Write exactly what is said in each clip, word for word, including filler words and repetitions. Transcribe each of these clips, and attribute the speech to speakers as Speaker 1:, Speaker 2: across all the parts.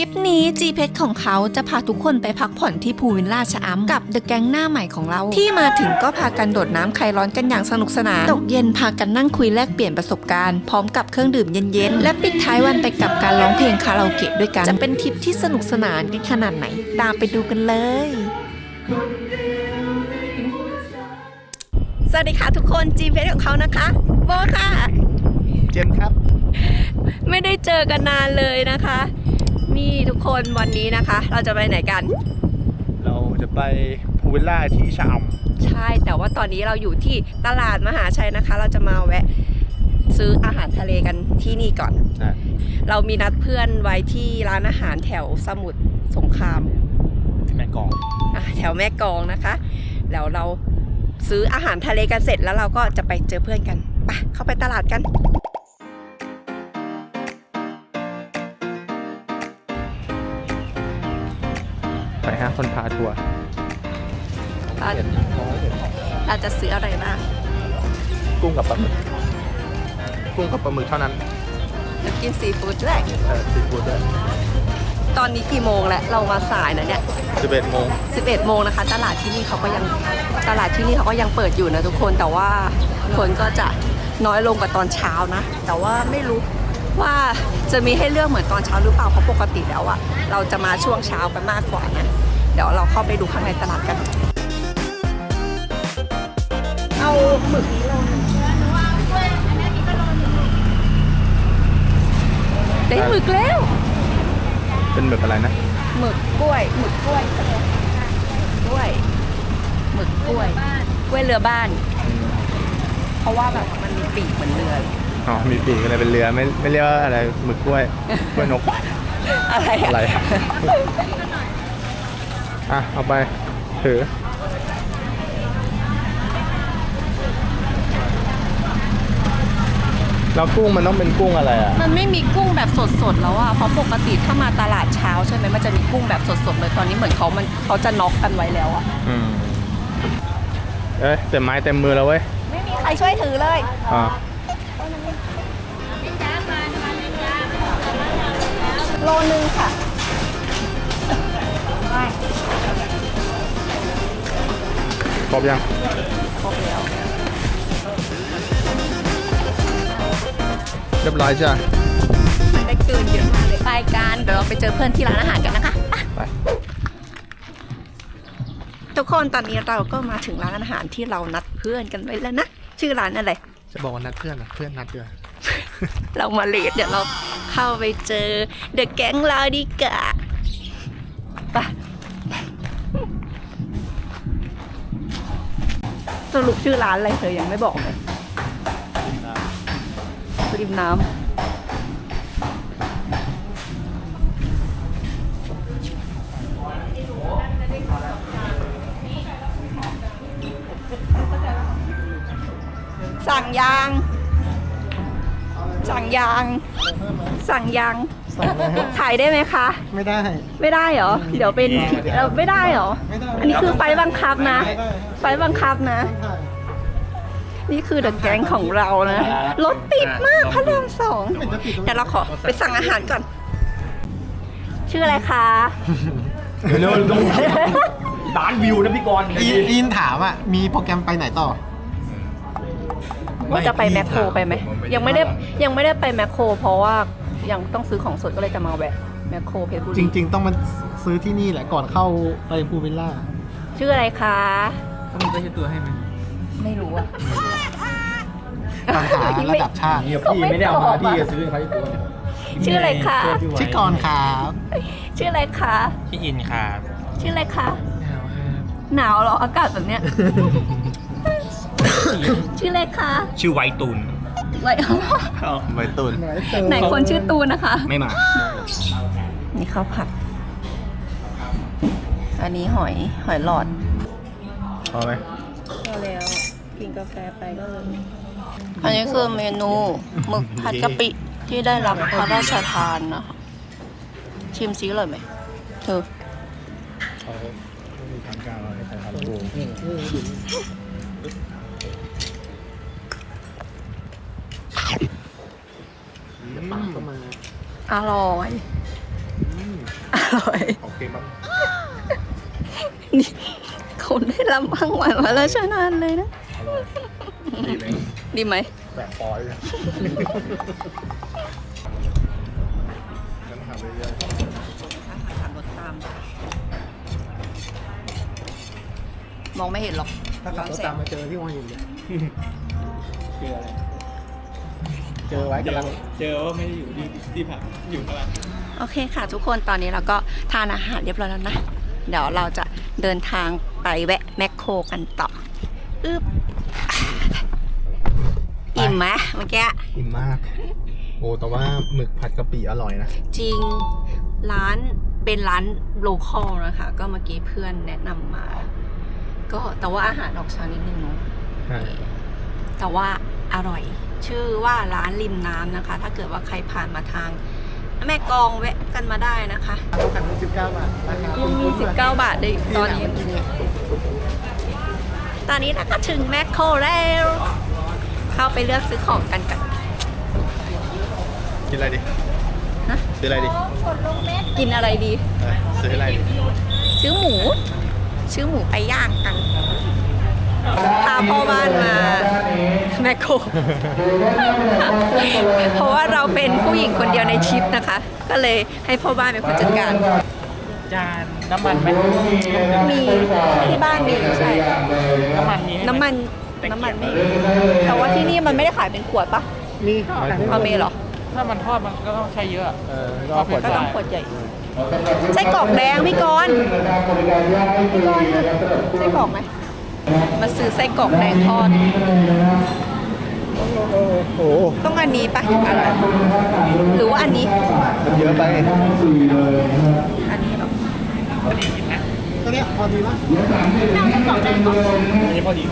Speaker 1: ลิปนี้ จี เพชร ของเขาจะพาทุกคนไปพักผ่อนที่พูลวิลล่าชะอำกับเดอะแก๊งหน้าใหม่ของเราที่มาถึงก็พากันโดดน้ำคลายร้อนกันอย่างสนุกสนานตกเย็นพากันนั่งคุยแลกเปลี่ยนประสบการณ์พร้อมกับเครื่องดื่มเย็นๆและปิดท้ายวันไปกับการร้องเพลงคาราโอเกะด้วยกันจะเป็นทริปที่สนุกสนานกันขนาดไหนตามไปดูกันเลยสวัสดีค่ะทุกคน จี เพชร ของเขานะคะโบค่ะ
Speaker 2: เจมครับ
Speaker 1: ไม่ได้เจอกันนานเลยนะคะนี่ทุกคนวันนี้นะคะเราจะไปไหนกัน
Speaker 2: เราจะไปพูลวิลล่าที่ชะอำ
Speaker 1: ใช่แต่ว่าตอนนี้เราอยู่ที่ตลาดมหาชัยนะคะเราจะมาแวะซื้ออาหารทะเลกันที่นี่ก่อนเรามีนัดเพื่อนไว้ที่ร้านอาหารแถวสมุทรสงคราม
Speaker 2: แม่กลอง
Speaker 1: อ่ะแถวแม่กลองนะคะแล้วเราซื้ออาหารทะเลกันเสร็จแล้วเราก็จะไปเจอเพื่อนกันไปเข้าไปตลาดกัน
Speaker 2: ไปฮะคนพาทัวร์
Speaker 1: เราจะซื้ออะไรบ้าง
Speaker 2: กุ้งกับปลาหมึกกุ้งกับปลาหมึกเท่านั้น
Speaker 1: จะกินซีฟู้ดด้วย
Speaker 2: เออซีฟู้ดด้วย
Speaker 1: ตอนนี้กี่โมงแล้วเรามาสายนะเนี่ย
Speaker 2: สิบเอ็ดโมง
Speaker 1: สิบเอ็ดโมงนะคะตลาดที่นี่เขาก็ยังตลาดที่นี่เขาก็ยังเปิดอยู่นะทุกคนแต่ว่าคนก็จะน้อยลงกว่าตอนเช้านะแต่ว่าไม่รู้ว่าจะมีให้เลือกเหมือนตอนเช้าหรือเปล่าเพราะปกติแล้วอะเราจะมาช่วงเช้ากันมากกว่านะเดี๋ยวเราเข้าไปดูข้างในตลาดกันเอาหมึกนี้ลงได้หมึกแล้ว
Speaker 2: เป็นหมึกอะไรนะ
Speaker 1: หมึกกล้วยหมึกกล้วยกล้วยหมึกกล้วยกล้วยเรือบ้านเพราะว่าแบบมันมีปีกเหมือนเรือ
Speaker 2: อ๋อมีปีกอะไรเป็นเรือไม่ไม่เรียกว่าอะไรหมึกกล้วยกล้วยนก
Speaker 1: อะไร
Speaker 2: อะไรอ่ะเอาไปถือแล้วกุ้งมันต้องเป็นกุ้งอะไรอ่ะ
Speaker 1: มันไม่มีกุ้งแบบสดๆแล้วอ่ะเพราะปกติถ้ามาตลาดเช้าใช่ไหมมันจะมีกุ้งแบบสดๆเลยตอนนี้เหมือนเขามันเขาจะน็อกกันไว้แล้วอ่ะ
Speaker 2: อืมเอ้ยเต็มไม้เต็มมือแล้วเว้ย
Speaker 1: ไม่มีใครช่วยถือเลย
Speaker 2: อ่า
Speaker 1: โลนึงค่ะ
Speaker 2: ครบยัง
Speaker 1: ครบแล้ว
Speaker 2: เรียบร้อยจ้ะ
Speaker 1: มันได้เกินเยอะมากเลยไปกันเดี๋ยวเราไปเจอเพื่อนที่ร้านอาหารกันนะคะ
Speaker 2: ไป
Speaker 1: ทุกคนตอนนี้เราก็มาถึงร้านอาหารที่เรานัดเพื่อนกันไว้แล้วนะชื่อร้านอะไร
Speaker 2: จะบอกว่านัดเพื่อนอ่ะเพื่อนนัดเดือ
Speaker 1: เรามาเลทเดี๋ยวเราเข้าไปเจอเดอะแก๊งเราดีกว่าไปสรุปชื่อร้านอะไรเธอยังไม่บอกเลยริมน้ำสั่งยางสั่งยางสั่งยางถ่ายได้ไหมคะ
Speaker 2: ไม่ได้
Speaker 1: ไม่ได้เหรอเดี๋ยวเป็นเราไม่ได้เหรออันนี้คือไฟบังคับนะไฟบังคับนะนี่คือเดอะแก๊งของเรานะรถติดมากพระรามสองเดี๋ยวเราขอไปสั่งอาหารก่อนชื่ออะไรคะ
Speaker 2: เดี๋ยวเร็วดูล้านวิวนะพี่กรณ์
Speaker 3: อินถามอ่ะมีโปรแกรมไปไหนต่อ
Speaker 1: ว่าจะไปแมคโครไปไหมยังไม่ได้ยังไม่ได้ไปแมคโครเพราะว่ายังต้องซื้อของสดก็เลยจะมาแวะแมคโครเพชรบุรี
Speaker 3: จริงๆต้องมาซื้อที่นี่แหละก่อนเข้าไปพูลวิลล่า
Speaker 1: ชื่ออะไรคะ
Speaker 3: ต้องมีชื่อตัวให้ไหม
Speaker 1: ไม่รู้อะ
Speaker 3: ปัญหาระดับชาติ
Speaker 2: พี่ไม่ได้เอามาพี่จะซื้อเขาที่ตัว
Speaker 1: ชื่ออะไรคะ
Speaker 3: ชื่อกรครับ
Speaker 1: ชื่ออะไรคะ
Speaker 2: ชื่ออินครับ
Speaker 1: ชื่ออะไรคะหนาวเหรออากาศแบบเนี้ยชื่ออะไรคะ
Speaker 2: ชื่อไวตูน
Speaker 1: ไว
Speaker 2: ไวตูน
Speaker 1: ไหนคนชื่อตูนนะคะ
Speaker 2: ไม่มา
Speaker 1: นี่ข้าวผัดอันนี้หอยหอยหลอด
Speaker 2: พอไหม
Speaker 1: พอแล้วกินกาแฟไปก็เลยอันนี้คือเมนูหมึกผัดกะปิที่ได้รับพระราชทานนะคะชิมซิเลยไหมเธอ
Speaker 2: เขาไม่มีทางการอะไรแต่ทำกู
Speaker 1: อร่อยร่อย
Speaker 2: ของเค็มบ้าง
Speaker 1: นี่คนได้รับรางวัลมาแล้วชนะเลยนะ
Speaker 2: อร่อยดีเลย
Speaker 1: ดีไหม
Speaker 2: แปะปอยเลยฉันทำเรื่อย
Speaker 1: ขับรถตาม มองไม่เห็นหรอก
Speaker 3: ถ้าขับรถตามมาเจอที่หัวหินเนี่ย
Speaker 4: เจออะไร
Speaker 3: เจอไว้กำลัง
Speaker 4: เจอว่าไม่ได้อยู่ที่ที่พักอยู่ข้างหลัง
Speaker 1: โอเคค่ะทุกคนตอนนี้เราก็ทานอาหารเรียบร้อยแล้วนะ เดี๋ยวเราจะเดินทางไปแวะแมคโครกันต่ออึ๊บอิ่มไหมเมื่อกี้
Speaker 2: ๆอิ่มมาก โอ้แต่ว่าหมึกผัดกะปิอร่อยนะ
Speaker 1: จริงร้านเป็นร้านโลคอลนะคะ ก็เมื่อกี้เพื่อนแนะนำมา ก็แต่ว่าอาหารออกช้านิดนึงเนาะ
Speaker 2: ใช่
Speaker 1: แต่ว่าอร่อย ชื่อว่าร้านริมน้ำนะคะ ถ้าเกิดว่าใครผ่านมาทาง แม่กลองแวะกันมาได้นะคะ
Speaker 3: เราขันสิบเก้าบาทราคา
Speaker 1: ยังมีสิบเก้าบาทได้ตอนนี้ตอนนี้นะคะถึงแมคโครแล้ว เข้าไปเลือกซื้อของกันกัน
Speaker 2: กินอะไรดิ
Speaker 1: ฮะ
Speaker 2: ซื้ออะไรดิ
Speaker 1: กินอะไรดี
Speaker 2: เออซื้ออะไรดิ
Speaker 1: ซื้อหมู ซื้อหมูไปย่างกันพาพ่อบ้านมาแมคโคร เพราะว่าเราเป็นผู้หญิงคนเดียวในทริปนะคะ ก็เลยให้พ่อบ้านเป็นคนจัดการ
Speaker 4: จานน้ำมันไหม
Speaker 1: มีที่บ้านมีใช่
Speaker 4: น้ำมันมีให้ไหม
Speaker 1: น้ำมันน้ำมันไม่มีแต่ว่าที่นี่มันไม่ได้ขายเป็นขวดปะ
Speaker 3: มี
Speaker 1: เอาเมเหรอ
Speaker 4: ถ้ามันทอดมันก็ต้องใช้เยอะ
Speaker 2: เออก็เอาขวด
Speaker 1: ก็ต้องขวดใหญ่ไส้กรอกแดงพี่กรณ์พี่กรณ์ไส้กรอกไหมมาซื้อไส้กรอกแดงทอด
Speaker 2: โอ้โห
Speaker 1: ต้องอันนี้ปะถึงอร่อยหรือว่าอันนี้
Speaker 2: มันเยอะไป
Speaker 1: อันนี้เหรอ
Speaker 4: พอดีกินนะ
Speaker 3: ตัวเนี้ยพอดีปะ
Speaker 1: เอาไส้กรอกแดงก่อน
Speaker 4: อันนี้พอดี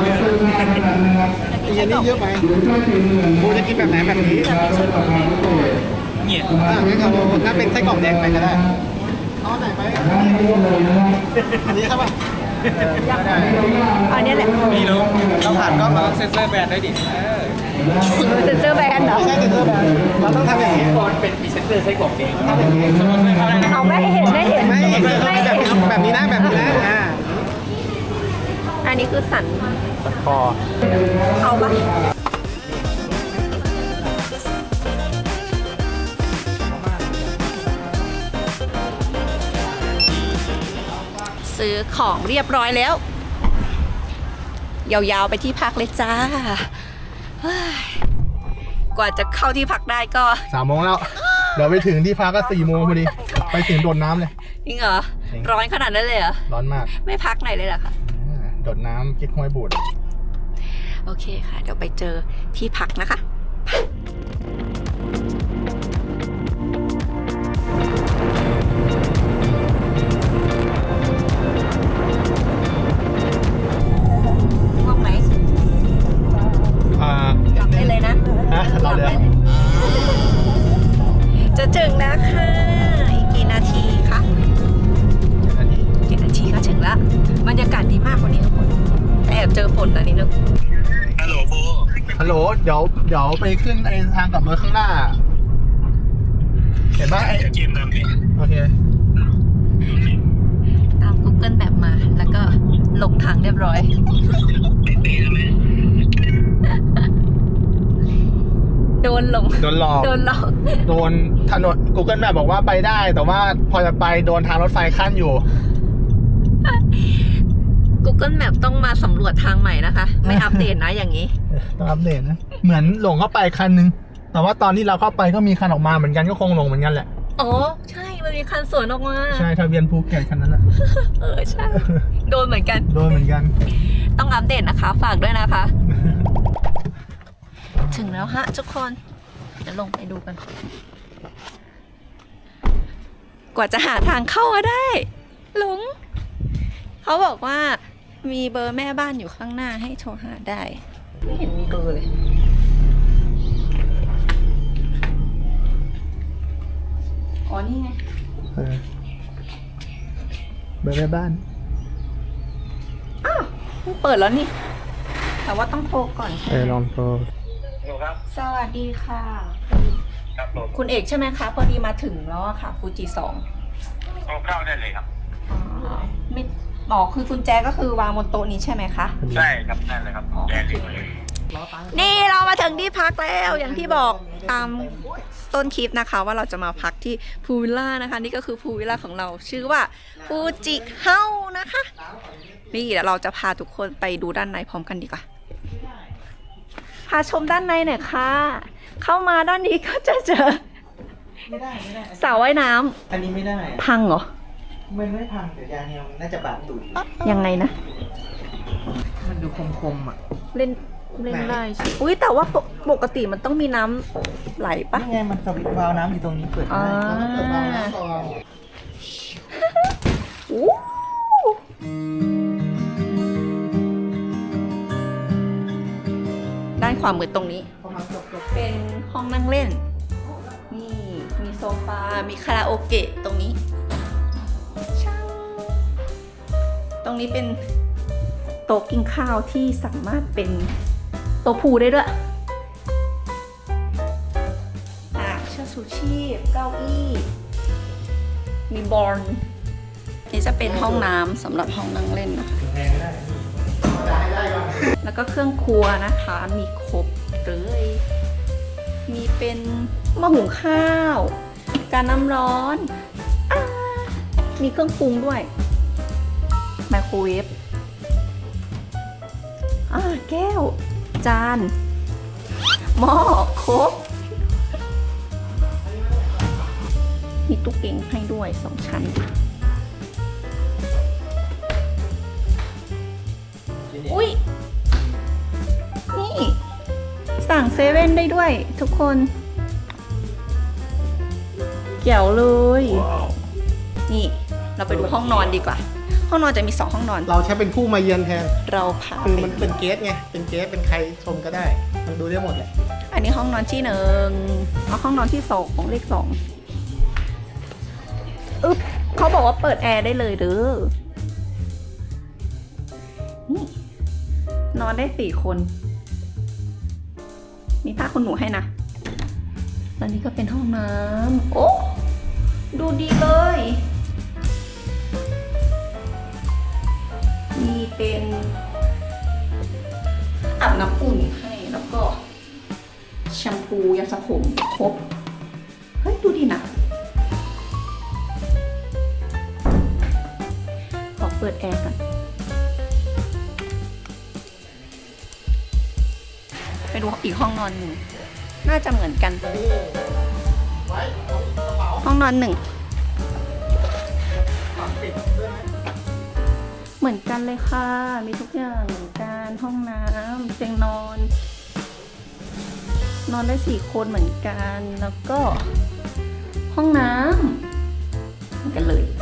Speaker 3: อีกอันนี้เยอะไปโบจะกินแบบไหนแบบนี้
Speaker 1: จะมีไส้กรอกแดง
Speaker 4: เนี่ย
Speaker 3: อ่างั้นเอาถ้าเป็นไส้กรอกแดงไปก็ได้เอาไหนไปอันนี้ครับป่ะ
Speaker 1: อันนี้แหละ
Speaker 4: มีลุงต้องผ่านกล้องเราต้องเซ็นเซอร์แบรนด์ด้วยดิเออ
Speaker 1: เซนเซอร์แบนด์เหรอ
Speaker 3: ไม่ใช่เซ็นเซอร์แบรนด์เราต้องทำอย่างนี้
Speaker 4: ก่อนเป็นพรีเซนเตอร์ไส้กรอกเองถ้าเป็นสมมติไม่เข้าได้นะ
Speaker 1: เอาไม่เห็นไม่เห็น
Speaker 3: ไม่
Speaker 1: ไม่
Speaker 3: แบบ
Speaker 1: เห็น
Speaker 3: นี้แบบนี้นะแบบนี้นะอ่า
Speaker 1: อันนี้คือสัน
Speaker 2: พอ
Speaker 1: เอาปะซื้อของเรียบร้อยแล้ว ยาวๆไปที่พักเลยจ้าเฮ้ยกว่าจะเข้าที่พักได้ก็
Speaker 2: สามโมงแล้ว เดี๋ยวไปถึงที่พักก็สี่โมงพอดี ไปถึงโดดน้ำเลย
Speaker 1: จริงเหรอ ร้อนขนาดนั้นเลยเหรอ
Speaker 2: ร้อนมาก
Speaker 1: ไม่พักไหนเลยเหรอคะ
Speaker 2: อ่าโดดน้ำกิ๊กห้วยบูด
Speaker 1: โอเคค่ะ เดี๋ยวไปเจอที่พักนะคะ ง่วงไหม
Speaker 2: อ่า
Speaker 1: หลับได้เลยนะ
Speaker 2: ฮะเราเลย
Speaker 1: หลับได้เลยจะถึงแล้วค่ะ อีกกี่นาทีคะ
Speaker 2: อันนี้
Speaker 1: เจ็ดนาทีก็ถึงแล้ว บรรยากาศดีมากกว่านี้ทุกคนแต่แอบเจอฝนนะนิดนึง
Speaker 2: ฮัลโหล เดี๋ยว เดี๋ยวไปขึ้นไอ้ทางกลับรถข้างหน้า เห็นปะไอ้โอเค
Speaker 1: ตาม Google Map มา แล้วก็ลงทางเรียบร้อย โดนหลง
Speaker 2: โดนหลอก
Speaker 1: โดนหลอก
Speaker 2: โดนถนน Google Map บอกว่าไปได้ แต่ว่าพอจะไปโดนทางรถไฟขั้นอยู่
Speaker 1: Google Map ต้องมาสำรวจทางใหม่นะคะ ไม่อัปเดตนะอย่างนี้
Speaker 2: ต้องอัปเดตนะ เหมือนหลงเข้าไปคันนึง แต่ว่าตอนที่เราเข้าไปก็มีคันออกมาเหมือนกันก็คงหลงเหมือนกันแหละ
Speaker 1: อ๋อ ใช่ มันมีคันสวนออกมา
Speaker 2: ใช่ทะเบียนภูเก็ตคันนั้นแหละ
Speaker 1: เออ ใช่ โดนเหมือนกัน
Speaker 2: โดนเหมือนกัน
Speaker 1: ต้องอัปเดตนะคะ ฝากด้วยนะคะ ถึงแล้วฮะทุกคน เดี๋ยวลงไปดูกัน กว่าจะหาทางเข้ามาได้ หลง เขาบอกว่ามีเบอร์แม่บ้านอยู่ข้างหน้าให้โทรหาได้ ไม่เห็นมีเบอร์เลย อ๋อ นี่ไง
Speaker 2: เออเบอร์แม่บ้าน
Speaker 1: อ้าวเพิ่งเปิดแล้วนี่ แต่ว่าต้องโทรก่อน
Speaker 2: เออลองโทร
Speaker 1: สวัสดีค่ะ
Speaker 4: ครับผม
Speaker 1: คุณเอกใช่ไหมคะ พอดีมาถึงแล้วอะค่ะฟูจิสอง
Speaker 4: อ
Speaker 5: เอาเข้าได้เลยครับ
Speaker 1: อ๋อไม่หมอคือกุญแจก็คือวางบนโต๊ะนี้ใช่ไหมคะ
Speaker 5: ใช่ครับนั่นเลยครับแจกเลย
Speaker 1: นี่เรามาถึงที่พักแล้วอย่างที่บอกตามต้นคลิปนะคะ ว่าเราจะมาพักที่พูวิลล่านะคะ นี่ก็คือพูวิลล่าของเราชื่อว่าฟูจิเฮานะคะ นี่เดี๋ยวเราจะพาทุกคนไปดูด้านในพร้อมกันดีกว่าพาชมด้านในหน่อยค่ะ เข้ามาด้านนี้ก็จะเจอ
Speaker 3: ไม่ได้ไม่ได้
Speaker 1: สระว่ายน้ำ
Speaker 3: อันนี้ไม่ได้
Speaker 1: พังเหรอ
Speaker 3: มันไม่พังแต่ยางเนี่ยมันน่าจะบาดตูด
Speaker 1: ยังไงนะ
Speaker 3: มันดูคมๆอ่ะ
Speaker 1: เล่นเล่นได้ใช่อุ้ยแต่ว่าปกปกติมันต้องมีน้ำไหลปะ
Speaker 3: นี่ไงมันสวิตช์วาล์วน้ำอยู่ตรงนี้เปิด
Speaker 1: อ่า
Speaker 3: ได้
Speaker 2: เปิดวาล์วน้ำก่อน
Speaker 1: อู้ด้านขวามือตรงนี้
Speaker 2: ประมาณจบจบ
Speaker 1: เป็นห้องนั่งเล่น นี่ มีโซฟา มีคาราโอเกะตรงนี้ช่างตรงนี้เป็นโต๊ะกินข้าวที่สามารถเป็นโต๊ะพูลได้ด้วย อ่ะเชือกชูชีพ เก้าอี้ มีบอลนี่จะเป็นห้องน้ำสำหรับห้องนั่งเล่นนะคะ แล้วก็เครื่องครัวนะคะ มีครบเลย มีเป็นหม้อหุงข้าว การน้ำร้อนอามีเครื่องปรุงด้วย ไมโครเวฟอ่าแก้ว จาน หม้อครบ มีตู้เก็งให้ด้วยสองชั้น อุ้ย นี่ สั่งเซเว่นได้ด้วยทุกคนเกี่ยวเลย นี่ เราไปดูห้องนอนดีกว่า ห้องนอนจะมีสองห้องนอน
Speaker 2: เราใช้เป็นผู้มาเยือนแทน
Speaker 1: เราพา
Speaker 2: คือ
Speaker 1: ไป
Speaker 2: มันเป็นเกสไง เป็นเกสเป็นใครชมก็ได้ มันดูได้หมดเลย
Speaker 1: อันนี้ห้องนอนที่หนึ่งเอาห้องนอนที่สองของเลขสองอึ๊บเขาบอกว่าเปิดแอร์ได้เลยเด้อ นี่ นอนได้สี่คน มีผ้าขนหนูให้นะตอนนี้ก็เป็นห้องน้ำ โอ้ ดูดีเลย มีเป็นอาบน้ำอุ่นให้แล้วก็แชมพูยาสระผมครบ เฮ้ย ดูดีนะ ขอเปิดแอร์ก่อน ไปดูอีกห้องนอนหนึ่ง น่าจะเหมือนกัน ห้องนอนหนึ่ง เหมือนกันเลยค่ะ มีทุกอย่างเหมือนกัน ห้องน้ำเตียงนอน นอนได้สี่คนเหมือนกัน แล้วก็ ห้องน้ำเหมือนกันเลย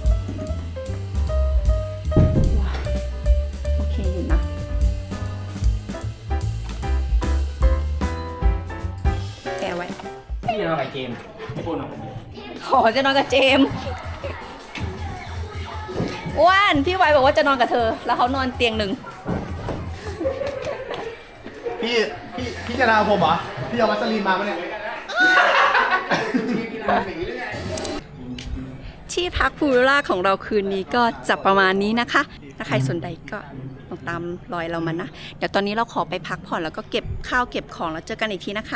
Speaker 1: ว้าวโอเคอยู่นะ แกะไว้
Speaker 4: พี่นอนกับเกมไม่พูดหรอก
Speaker 1: ขอจะนอนกับเจมส์อ้วนพี่ไวบอกว่าจะนอนกับเธอ แล้วเขานอนเตียงหนึ่ง
Speaker 2: พี่ พี่ พี่จะนาผมเหรอ พี่เอาวัสลีนมาปะเนี่ย
Speaker 1: ที่พักพูวิลล่าของเราคืนนี้ก็จะประมาณนี้นะคะ ถ้าใครสนใจก็ลองตามรอยเรามานะ เดี๋ยวตอนนี้เราขอไปพักผ่อนแล้วก็เก็บข้าวเก็บของแล้วเจอกันอีกทีนะคะ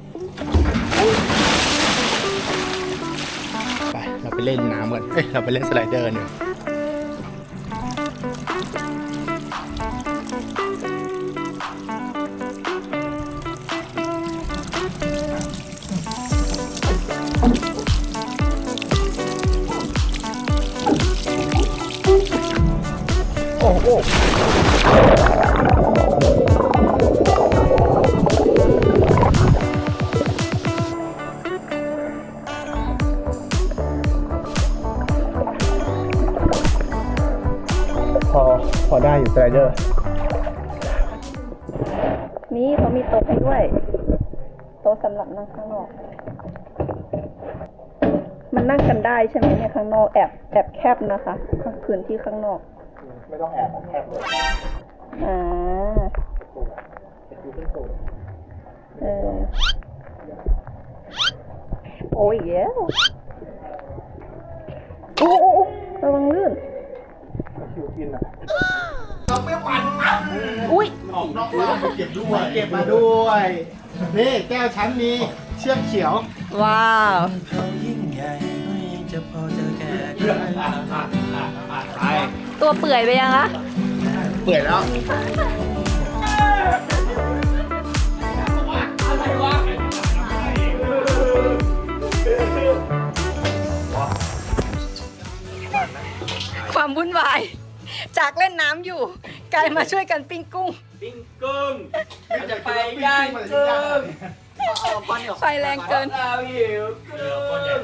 Speaker 2: ไป เราไปเล่นน้ำกันเอ้ย เราไปเล่นสไลเดอร์เนี่ย โอ้โห พอ พอได้อยู่สไลเดอร์
Speaker 1: นี่เขามีโต๊ะให้ด้วย โต๊ะสำหรับนั่งข้างนอก มันนั่งกันได้ใช่ไหมเนี่ยข้างนอกแอบแอบแคบนะคะพื้นที่ข้างนอก
Speaker 2: ไม่ต้องแอบแอบเลย
Speaker 1: อ่า เออ โอ้ยเย้วโอ้โหระวังลื่น
Speaker 2: เราไม่หวานปั๊บ
Speaker 1: อุ้ย
Speaker 2: ออกนอกบ้านเก็บด้วยเก็บมาด้วยนี่แก้วชั้นมีเชือกเขียว
Speaker 1: ว้าว
Speaker 2: ไป
Speaker 1: ตัวเปื่อยไปยังคะ
Speaker 2: เปื่อยแล้ว
Speaker 1: ความวุ่นวาย จากเล่นน้ำอยู่ กลายมาช่วยกันปิ้งกุ้ง
Speaker 4: ปิ้งกุ้งมันจะไปย่างกุ้ง
Speaker 1: ไฟแรงเกิน
Speaker 4: เราหิวกุ้ง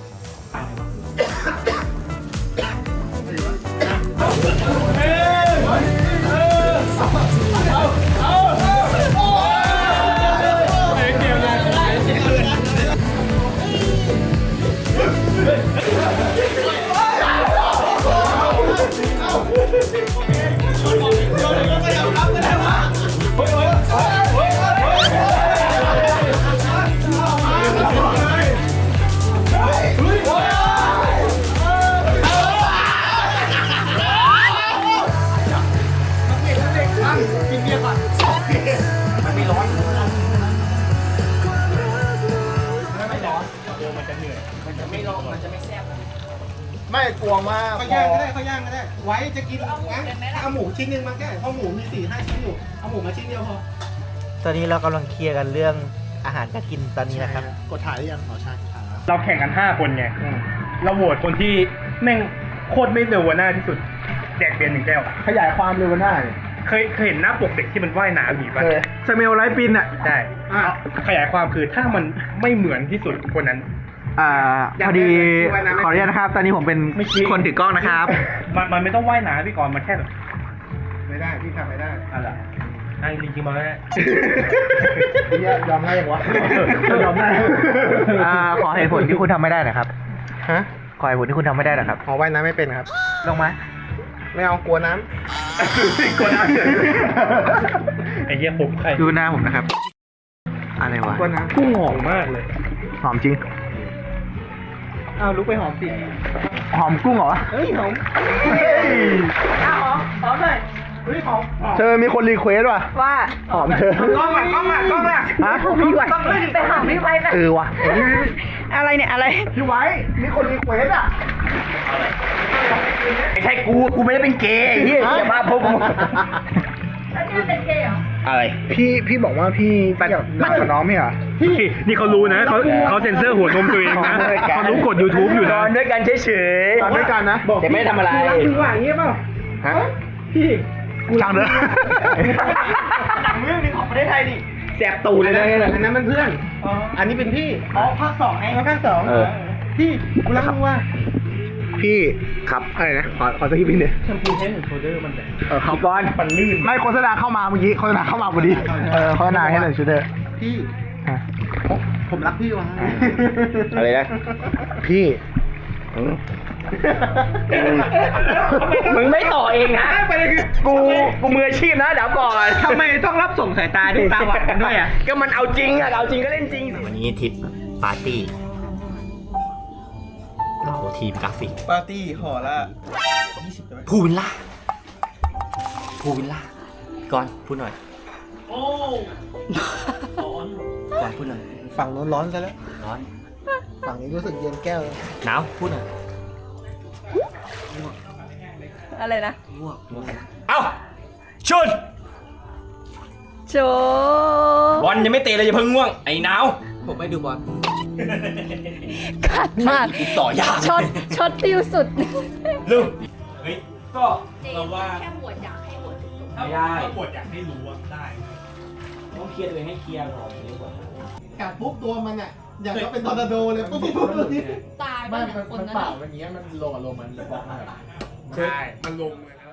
Speaker 2: ไม่กลัวมาก
Speaker 3: เขาย่างก็ได้เขาย่างก็ได้ ไว้จะกินงั้นเอาหมูชิ้นหนึงมาแค่เพราะหมูมีสี่ห้าชิ้นอยู่เอาหมูมาชิ้นเดียวพอ
Speaker 6: ตอนนี้เรากำลังเคลียร์กันเรื่องอาหารการกินตอนนี้นะครับ
Speaker 2: กดถ่ายหรือยังขอใช่ครับ
Speaker 7: เราแข่งกันห้าคนไง เราโหวตคนที่แม่งโคตรไม่เร็วหน้าที่สุด แจกเบียร์หนึ่งแก้ว
Speaker 2: ขยายความเร็วหน้าเนี่ย
Speaker 7: เคยเคยเห็นหน้าปกเด็กที่มันว่ายน้ำหนีป่ะ
Speaker 2: เคย
Speaker 7: สเมลไลฟ์ปินอ่ะ ใช่ ขยายความคือถ้ามันไม่เหมือนที่สุดคนนั้น
Speaker 6: อ่าพอดีขออนุญาตนะครับ ตอนนี้ผมเป็น
Speaker 7: ไม่คิด
Speaker 6: คนถือกล้องนะครับ
Speaker 7: มันมันไม่ต้องว่ายน้ำพี่กรณ์มันแค่แบบ
Speaker 3: ไม่ได้พี่ทำไม่ได้
Speaker 7: อะไรอ่ะจริงๆมาแล้ว
Speaker 2: ยอมได้ยังวะ
Speaker 7: ยอมได้
Speaker 6: อ่าขอเหตุผลที่คุณทำไม่ได้หนะครับ
Speaker 2: ฮะ
Speaker 6: ขอเหตุผลที่คุณทำไม่ได้หนะครับ
Speaker 2: ขอว่ายน้ำไม่เป็นครับ
Speaker 6: ลงมา
Speaker 2: ไม่เอากลัวน้
Speaker 7: กลัวน้ำไอ้เหี้ยผมใคร
Speaker 6: ดูหน้าผมนะครับ อะไรวะ
Speaker 2: ำกลัวน้
Speaker 7: พุ่งหอมมากเลย
Speaker 6: หอมจริง
Speaker 3: อ้าวลุกไปหอมสิ
Speaker 6: หอมกุ้งเหรอ
Speaker 3: เฮ้ยหอมอ้าวหอมหอมเลยเฮ้ยหอมหอม
Speaker 2: ำเธอมีคนรีเควสว่ะ
Speaker 1: ว่า
Speaker 2: หอมเธอ
Speaker 3: กล้องอ่ะกล้องอ่ะกล้องอ่ะ
Speaker 2: ฮะ
Speaker 1: พี่ไว้ไปหาพี่ไว้ไป
Speaker 2: เออว่ะ
Speaker 1: อะไรเนี่ยอะไร
Speaker 2: พี่ไว้ มีคนรีเควสอ่ะ
Speaker 6: ไม่ใช่กู กูไม่ได้เป็นเกย์ไอ้เหี้ยอย่ามาพบกู
Speaker 1: แล้วนี่เป็นเกย์เหรอ
Speaker 7: อะไร
Speaker 2: พี่พี่บอกว่าพี่พี่อยากรักกับน้องไม่เหรอ
Speaker 7: พี่นี่เขารู้นะเขาเขาเซ็นเซอร์หัวนมตัวเองนะเขารู้กด YouTube อยู่
Speaker 6: น
Speaker 7: นะ
Speaker 6: อนด้วยกันเฉย
Speaker 2: ตอนด้วยกันนะ
Speaker 6: ๆแต่ไม่ได้ทำอะไร
Speaker 3: รักคือว่าอย่างงี้เปล่า
Speaker 2: ฮะ
Speaker 3: พี่
Speaker 2: ช่างเถอะ
Speaker 3: หนังเรื่องหนึงของประเทศไทยดิ
Speaker 6: แสบตูดเลยนะเนี่ย
Speaker 3: อันนั้นมันเพื่อน อันนี้เป็นพี่ อ๋อภาคสองไงภาคสองพี่กูรักมึงว่า
Speaker 2: พี่ครับอะไรนะ ขอขอสักทีพี่เนี่ย
Speaker 7: แชมพูเฮดแอนด์โชเดอร์มันแบบ
Speaker 2: เออครับ
Speaker 7: ก้อนมันลื่น
Speaker 2: ไม่โฆษณาเข้ามาเมื่อกี้โฆษณาเข้ามาพอดี เออโฆษณาให้หน่อยชูเดอร์
Speaker 3: พี่ ผมรักพี่ว่ะ
Speaker 6: อะไรนะ
Speaker 2: พี่
Speaker 6: มึงไม่ต่อเองนะ กู กูมืออาชีพนะเดี๋ยวก่อน
Speaker 3: ทำไมต้องรับส่งสายตาด้วยตาหวานกันด้วยอ่ะ
Speaker 6: ก็มันเอาจริงอะเอาจริงก็เล่นจริง วันนี้ทริปปาร์ตี้เราทีมกราฟิก
Speaker 3: ปาร์ตี้ห่อละยี่สิบตัว
Speaker 6: พูวิลล่าพูวิลล่าก่อนพูดหน่อย โอ้ก่อนพูดหน่อย
Speaker 3: ฝั่งโน้นร้อนซะแล้ว
Speaker 6: ร้อน
Speaker 3: ฝั่งนี้รู้สึกเย็นแก้วเลย
Speaker 6: หนาวพูดหน่อย
Speaker 1: อะไรนะ
Speaker 6: เอ้าชุน
Speaker 1: โจ
Speaker 6: บอลยังไม่เตะเลยอย่าเพิ่งง่วง ไอ้หนาว
Speaker 3: ผมไม่ดูบอล
Speaker 1: ขัดมาก
Speaker 6: ติดต่อยาก
Speaker 1: ช็อตช็อตติวสุด
Speaker 6: ลูก
Speaker 4: เฮ้ย ก็เราว่า
Speaker 1: แค่บวชอยากให้บวช
Speaker 6: ไม่ได้
Speaker 7: ปวดอยากให้รู้ว่าได้
Speaker 6: ต้องเคลียร์ตัวเองให้เคลียร์ก่อนดีกว่า
Speaker 3: กัดปุ๊บตัวมันอ่ะ อย่างก็เป็นตอร์นาโดเลยปุ๊บปุ๊บปุ๊บปุ๊บ
Speaker 1: ตายไป
Speaker 2: ไม่
Speaker 1: เนี่ย
Speaker 2: มัน
Speaker 1: คน
Speaker 2: มัน
Speaker 1: นั้น
Speaker 2: เปล่า
Speaker 1: น่ะ
Speaker 2: อย่างเงี้ยมันลงอารมณ์มันจะบอกให้
Speaker 7: ใช่ มันลงเลยนะ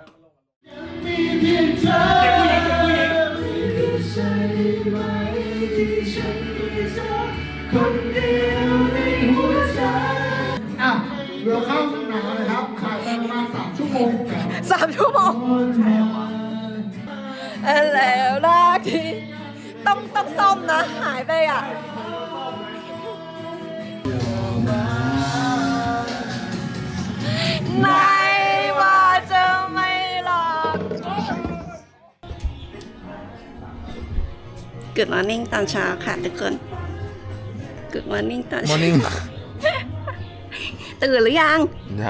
Speaker 2: อ่ะเรือเข้าหนาวนะครับขายไปประมาณสามชั่วโมง
Speaker 1: สามชั่วโมงแล้วลากทีต้องต้องซ่อมนะ หายไปอ่ะ
Speaker 2: เ
Speaker 1: Good morning ตอนเช้าค่ะทุกคน Good morning ตอน
Speaker 2: มอร์นิ่ง
Speaker 1: ตื่นหรือยัง
Speaker 2: ยัง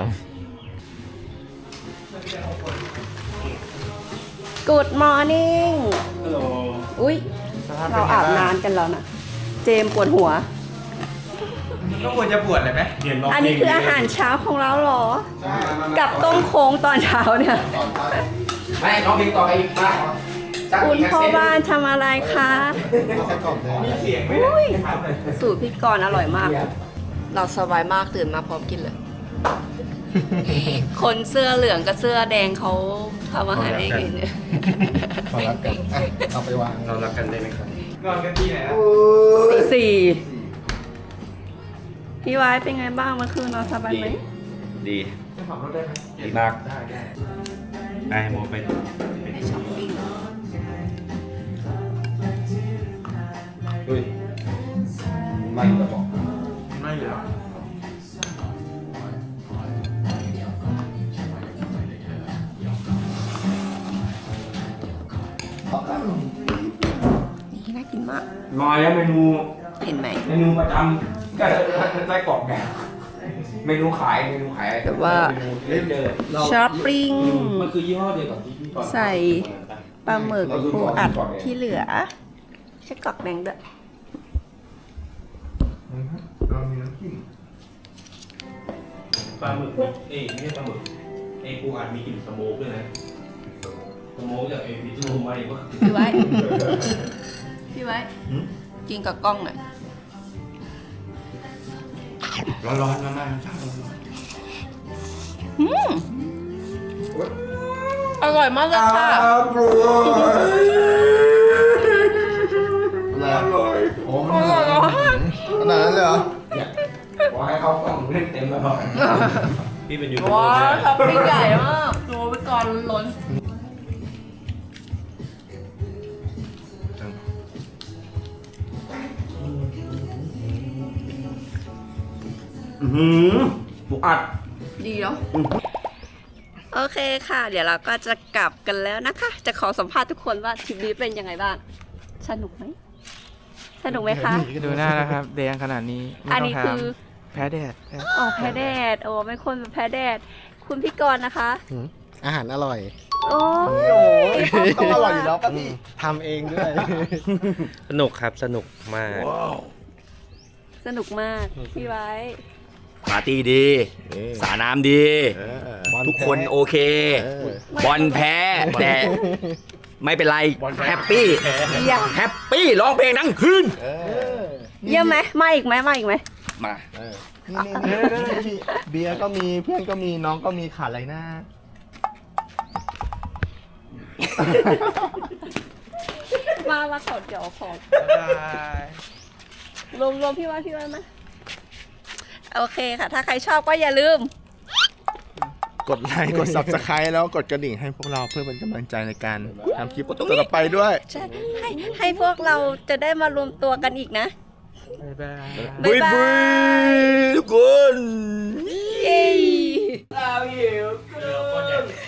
Speaker 1: Good morning อุ้ยเราอาบน้ำกันแล้วนะ เจมส์ปวดหัว
Speaker 3: ก็ควรจะปวดเลยไหม
Speaker 1: อันนี้คืออาหารเช้าของเราเหรอ กับต้มโค้งตอนเช้าเนี่ย
Speaker 6: ไม่น้องเพลงต่อไปอีกมาสัก
Speaker 1: คุณ
Speaker 6: อีก
Speaker 1: พ่อ
Speaker 6: เส้น
Speaker 1: บ้านทำอะไรคะ
Speaker 2: ไส้กรอกแดง
Speaker 1: อุ้ยสูตรพี่กรณ์อร่อยมาก เราสบายมากตื่นมาพร้อมกินเลย คนเสื้อเหลืองกับเสื้อแดงเขาทำอาหารเองเนี่ย
Speaker 2: ขอรับกันอ่ะเอาไปวาง
Speaker 6: เรารักกันได้ไหมครับ
Speaker 3: นอนกันที่ไหนนะ
Speaker 1: ตีสี่พี่ไว้เป็นไงบ้างเมื่อคืนนอนสบายไหม
Speaker 6: ดี
Speaker 3: จะขับรถได้ไหม
Speaker 6: ดีมาก
Speaker 3: ได้ได้
Speaker 6: ไอ้โมไป
Speaker 1: ไปช้อปปิ้ง
Speaker 6: อุ้ยไม่กระบอก
Speaker 3: ไม่เหรอ
Speaker 1: นี่น่ากินมาก
Speaker 6: มาแล้วเมนู
Speaker 1: เห็นไหม
Speaker 6: เมนูประจำก็ไส้กรอกแดงเมนูขายเมนูขาย
Speaker 1: แบบว่า
Speaker 6: เล่นเจอ
Speaker 1: ช้อปปิ้ง
Speaker 6: มันคือยี่ห้อเดียวกับที่พี่ก่อน
Speaker 1: ใส่ปลาหมึกปูอัดที่เหลือใช้กรอกแดงด้วย
Speaker 2: เรามีน้ำจิ้ม
Speaker 8: ปลาหมึกเอ้ยไม่ใช่ปลาหมึกไอ้ปูอัดมีกลิ่นสโมกด้วยนะสโมกจากไอ้พิซซ่ามาเองก็
Speaker 1: พี่ไว้ พี่ไว้ กินกับกล้องหน่อย
Speaker 6: ร้อนๆมากๆชอบร้อน
Speaker 1: อืมอร่อยมากเลยค่ะ
Speaker 2: อร่อยโอ้มันอร่อยขนาดนั้นเลยเหรอ
Speaker 6: ๆขอให้เขาต้องเล่นเต็มแล้วพอ
Speaker 8: พี่เป็นยูทูบเบอ
Speaker 1: ว้า
Speaker 8: ร์
Speaker 1: วช้อปปิ้งใหญ่มากดูไปก่อนล้น
Speaker 6: อือหือปูอัด
Speaker 1: ดีเนาะโอเคค่ะ เดี๋ยวเราก็จะกลับกันแล้วนะคะ จะขอสัมภาษณ์ทุกคนว่าทริปนี้เป็นยังไงบ้าง สนุกไหม สนุกไหมคะ
Speaker 3: ดูหน้านะครับแดงขนาดนี้ไม่
Speaker 1: อัน
Speaker 3: ต้อ
Speaker 1: นี้
Speaker 3: งถา
Speaker 1: คื
Speaker 3: ม
Speaker 1: อ
Speaker 3: แพ้แดด
Speaker 1: อ๋อแพ้แดด โอ้เป็นคนแบบแพ้แดด คุณพี่กรณ์นะคะ
Speaker 2: อาหารอร่อย
Speaker 1: โอ้ย
Speaker 2: ต้องอร่อยอยู่แล้วป่ะพี่ทำเองด้วย
Speaker 8: สนุกครับสนุกมาก
Speaker 1: สนุกมาก พี่ไว้
Speaker 6: ปาร์ตี้ดี สาน้ำดี ทุกคนโอเค บอลแพ้ แต่ไม่เป็นไรแฮปปี้
Speaker 1: เยี่ยม
Speaker 6: แฮปปี้ร้องเพลงทั้งคืน
Speaker 1: เยี่ยมไหมมาอีกไหมมาอีกไหม
Speaker 6: มา
Speaker 2: นี่นี่เบียร์ก็มีเพื่อนก็มีน้องก็มีขาดอะไรนะ
Speaker 1: มามาขอเดี๋ยวขอรวมรวมพี่ไว้พี่ไว้มาโอเคค่ะ ถ้าใครชอบก็อย่าลืม
Speaker 2: กดไลค์กด ซับสไครต์แล้วกดกระดิ่งให้พวกเราเพื่อเป็นกำลังใจในการทำคลิปต่อไปด้วย
Speaker 1: ใช่ให้ให้พวกเราจะได้มารวมตัวกันอีกนะ
Speaker 3: บ๊ายบาย
Speaker 1: บ๊ายบาย
Speaker 6: ทุกคน
Speaker 1: เย้
Speaker 4: Love you.